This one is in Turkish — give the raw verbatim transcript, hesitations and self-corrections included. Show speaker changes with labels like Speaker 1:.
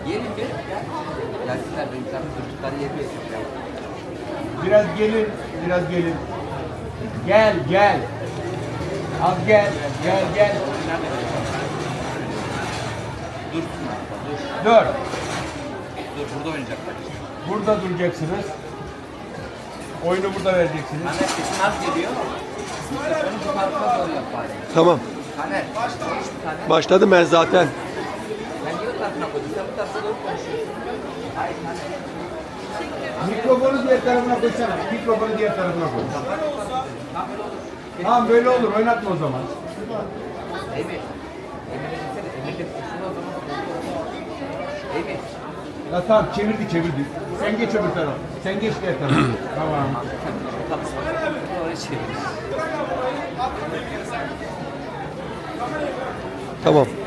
Speaker 1: Gelin bir. Gelsinler benim sana çocukları yedi.
Speaker 2: Biraz gelin, biraz gelin. Gel, gel. Az gel, gel, gel.
Speaker 1: Dur. Dur.
Speaker 2: Dur.
Speaker 1: Dur burada oynayacaklar.
Speaker 2: Burada duracaksınız. Oyunu burada vereceksiniz.
Speaker 1: Taner sesin az geliyor. Mikrofonu bu tarafa doğru yap bari.
Speaker 3: Tamam.
Speaker 1: Taner. Konuş bir tane.
Speaker 3: Başladım ben zaten.
Speaker 1: Ben niye o tarafına koydum? Sen bu tarafa doğru konuşuyorsun. Hayır Taner.
Speaker 2: Mikrofonu diğer tarafına koysana. Mikrofonu diğer tarafına koy. Tamam böyle olur. Oynatma o zaman.
Speaker 1: Emir. Emir'e gitsene. Emir de sesini o zaman. Emir.
Speaker 2: Ya tamam çevirdi çevirdi. Sen geç öbür tarafa. Sen geç diğer tarafa. Tamam.
Speaker 1: Oraya çevir.
Speaker 3: Tamam.